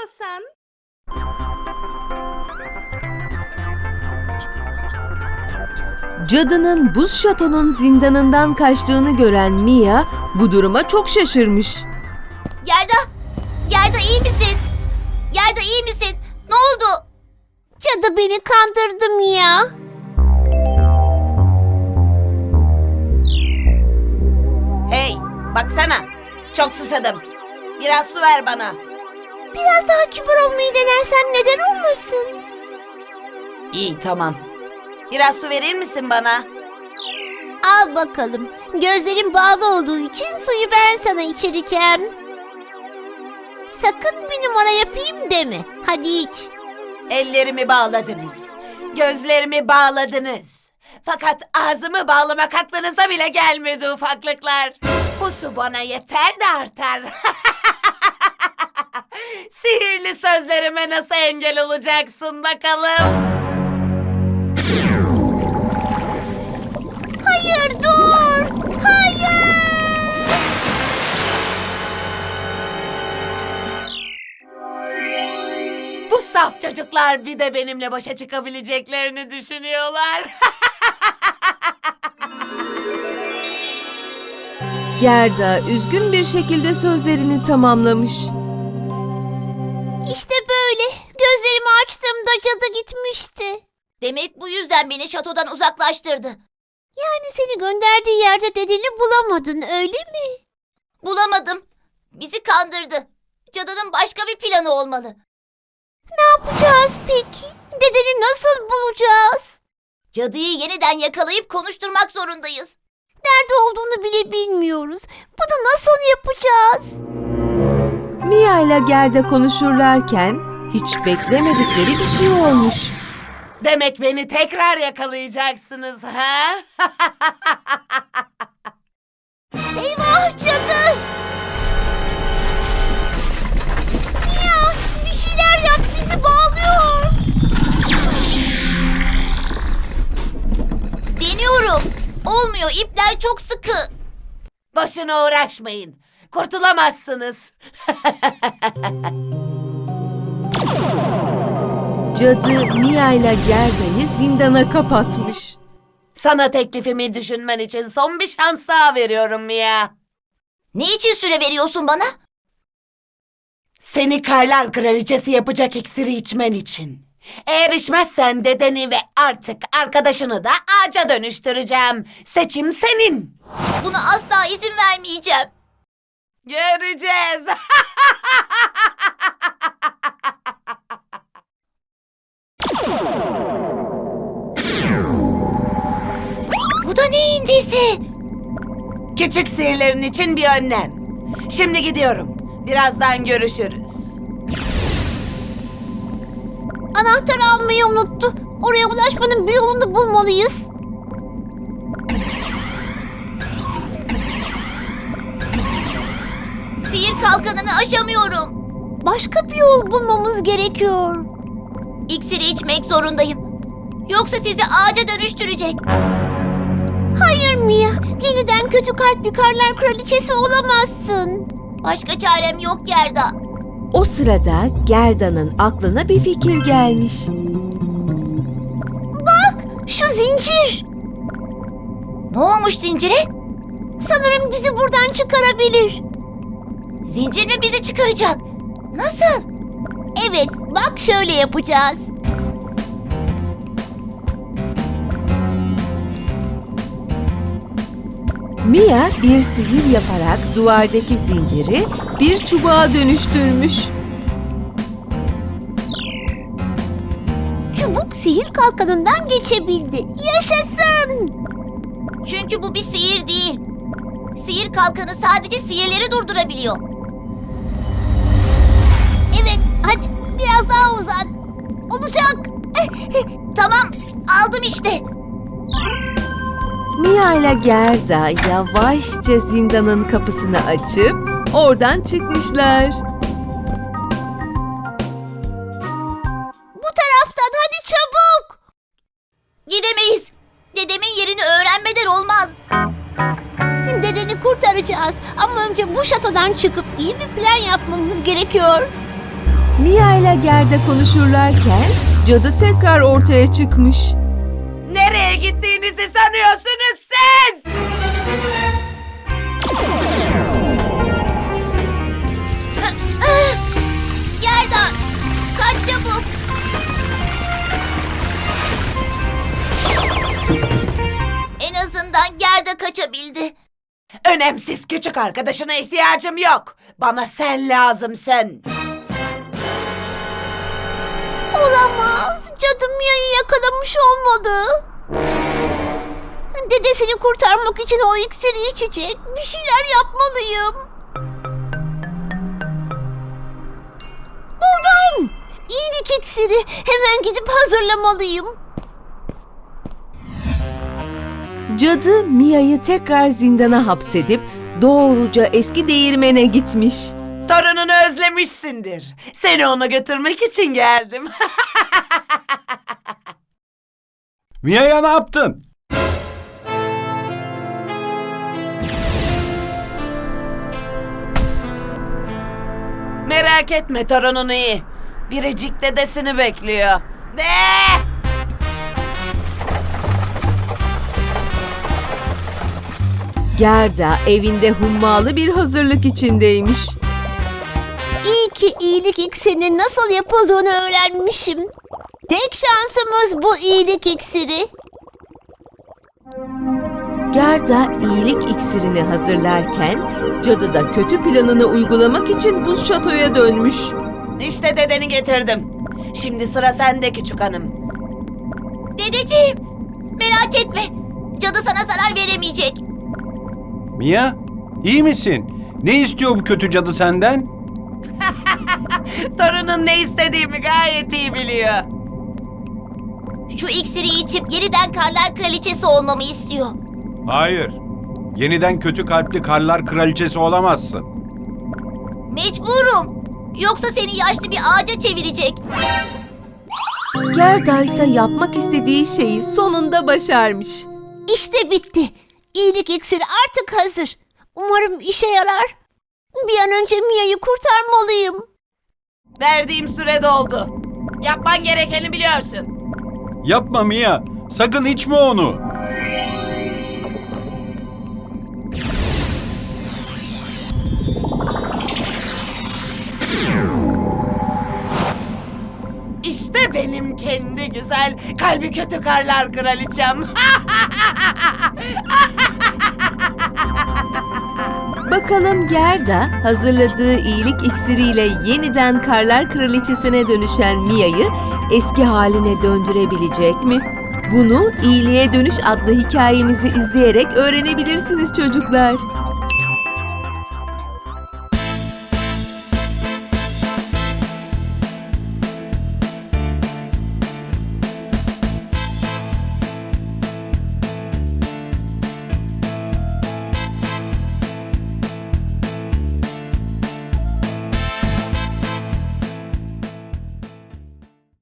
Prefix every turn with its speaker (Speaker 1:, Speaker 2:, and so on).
Speaker 1: istiyorsan.
Speaker 2: Cadının buz şatonun zindanından kaçtığını gören Mia bu duruma çok şaşırmış.
Speaker 3: Gerda! Gerda iyi misin? Gerda iyi misin? Ne oldu?
Speaker 4: Cadı beni kandırdı Mia.
Speaker 5: Hey, baksana. Çok susadım. Biraz su ver bana.
Speaker 4: Biraz daha kibar olmayı denersen neden olmasın?
Speaker 5: İyi, tamam. Biraz su verir misin bana?
Speaker 4: Al bakalım. Gözlerim bağlı olduğu için suyu ben sana içireceğim. Sakın bir numara yapayım deme. Hadi iç.
Speaker 5: Ellerimi bağladınız. Gözlerimi bağladınız. Fakat ağzımı bağlamak aklınıza bile gelmedi ufaklıklar. Bu su bana yeter de artar. Sihirli sözlerime nasıl engel olacaksın bakalım?
Speaker 4: Hayır dur. Hayır.
Speaker 5: Bu saf çocuklar bir de benimle başa çıkabileceklerini düşünüyorlar.
Speaker 2: Gerda üzgün bir şekilde sözlerini tamamlamış.
Speaker 4: İşte böyle. Gözlerimi açtığımda cadı gitmişti.
Speaker 3: Demek bu yüzden beni şatodan uzaklaştırdı.
Speaker 4: Yani seni gönderdiği yerde dedeni bulamadın öyle mi?
Speaker 3: Bulamadım. Bizi kandırdı. Cadının başka bir planı olmalı.
Speaker 4: Ne yapacağız peki? Dedeni nasıl bulacağız?
Speaker 3: Cadıyı yeniden yakalayıp konuşturmak zorundayız.
Speaker 4: Nerede olduğunu bile bilmiyoruz. Bunu nasıl yapacağız?
Speaker 2: Mia ile Gerda konuşurlarken hiç beklemedikleri bir şey olmuş.
Speaker 5: Demek beni tekrar yakalayacaksınız ha?
Speaker 4: Eyvah cadı! Ya bir şeyler yap bizi bağlıyor.
Speaker 3: Deniyorum. Olmuyor. İpler çok sıkı.
Speaker 5: Boşuna uğraşmayın. Kurtulamazsınız.
Speaker 2: Cadı Mia ile Gerda'yı zindana kapatmış.
Speaker 5: Sana teklifimi düşünmen için son bir şans daha veriyorum Mia.
Speaker 3: Ne için süre veriyorsun bana?
Speaker 5: Seni Karlar Kraliçesi yapacak iksiri içmen için. Eğer içmezsen dedeni ve artık arkadaşını da ağaca dönüştüreceğim. Seçim senin.
Speaker 3: Buna asla izin vermeyeceğim.
Speaker 5: Göreceğiz.
Speaker 3: Bu da neyin nesi?
Speaker 5: Küçük sihirlerin için bir önlem. Şimdi gidiyorum. Birazdan görüşürüz.
Speaker 4: Anahtarı almayı unuttu. Oraya ulaşmanın bir yolunu bulmalıyız.
Speaker 3: Sihir kalkanını aşamıyorum.
Speaker 4: Başka bir yol bulmamız gerekiyor.
Speaker 3: İksiri içmek zorundayım. Yoksa sizi ağaca dönüştürecek.
Speaker 4: Hayır Mia, yeniden kötü kalpli Karlar Kraliçesi olamazsın.
Speaker 3: Başka çarem yok Gerda.
Speaker 2: O sırada Gerda'nın aklına bir fikir gelmiş.
Speaker 4: Şu zincir.
Speaker 3: Ne olmuş zincire?
Speaker 4: Sanırım bizi buradan çıkarabilir.
Speaker 3: Zincir mi bizi çıkaracak? Nasıl?
Speaker 4: Evet, bak şöyle yapacağız.
Speaker 2: Mia bir sihir yaparak duvardaki zinciri bir çubuğa dönüştürmüş.
Speaker 4: Çubuk sihir kalkanından geçebildi. Yaşasın!
Speaker 3: Çünkü bu bir sihir değil. Sihir kalkanı sadece sihirleri durdurabiliyor.
Speaker 4: Evet, hadi biraz daha uzan. Olacak.
Speaker 3: Tamam, aldım işte.
Speaker 2: Mia ile Gerda yavaşça zindanın kapısını açıp oradan çıkmışlar.
Speaker 4: Bu taraftan hadi çabuk.
Speaker 3: Gidemeyiz. Dedemin yerini öğrenmeden olmaz.
Speaker 4: Dedeni kurtaracağız. Ama önce bu şatodan çıkıp iyi bir plan yapmamız gerekiyor.
Speaker 2: Mia ile Gerda konuşurlarken cadı tekrar ortaya çıkmış.
Speaker 5: Nereye gittiğinizi sanıyorsunuz siz?
Speaker 3: Gerda, kaç çabuk. En azından Gerda kaçabildi.
Speaker 5: Önemsiz, küçük arkadaşına ihtiyacım yok. Bana sen lazımsın.
Speaker 4: Olamaz. Cadı Mia'yı yakalamış olmalı. Dedesini kurtarmak için o iksiri içecek. Bir şeyler yapmalıyım. Buldum. İyilik iksiri. Hemen gidip hazırlamalıyım.
Speaker 2: Cadı Mia'yı tekrar zindana hapsedip doğruca eski değirmene gitmiş.
Speaker 5: Torununu özlemişsindir. Seni ona götürmek için geldim.
Speaker 1: Mia'ya ne yaptın?
Speaker 5: Merak etme, torunun iyi. Biricik dedesini bekliyor. De!
Speaker 2: Gerda evinde hummalı bir hazırlık içindeymiş.
Speaker 4: İyi ki iyilik iksirinin nasıl yapıldığını öğrenmişim. Tek şansımız bu iyilik iksiri.
Speaker 2: Gerda iyilik iksirini hazırlarken cadı da kötü planını uygulamak için buz şatoya dönmüş.
Speaker 5: İşte dedeni getirdim. Şimdi sıra sende küçük hanım.
Speaker 3: Dedeciğim, merak etme. Cadı sana zarar veremeyecek.
Speaker 1: Mia, iyi misin? Ne istiyor bu kötü cadı senden?
Speaker 5: Torunun ne istediğimi gayet iyi biliyor.
Speaker 3: Şu iksiri içip yeniden Karlar Kraliçesi olmamı istiyor.
Speaker 1: Hayır. Yeniden kötü kalpli karlar kraliçesi olamazsın.
Speaker 3: Mecburum. Yoksa seni yaşlı bir ağaca çevirecek.
Speaker 2: Gerda ise yapmak istediği şeyi sonunda başarmış.
Speaker 4: İşte bitti. İyilik iksiri artık hazır. Umarım işe yarar. Bir an önce Mia'yı kurtarmalıyım.
Speaker 5: Verdiğim süre doldu. Yapman gerekeni biliyorsun.
Speaker 1: Yapma Mia. Sakın içme onu.
Speaker 5: İşte benim kendi güzel, kalbi kötü karlar kraliçem.
Speaker 2: Bakalım Gerda hazırladığı iyilik iksiriyle yeniden Karlar Kraliçesi'ne dönüşen Mia'yı eski haline döndürebilecek mi? Bunu İyiliğe Dönüş adlı hikayemizi izleyerek öğrenebilirsiniz çocuklar.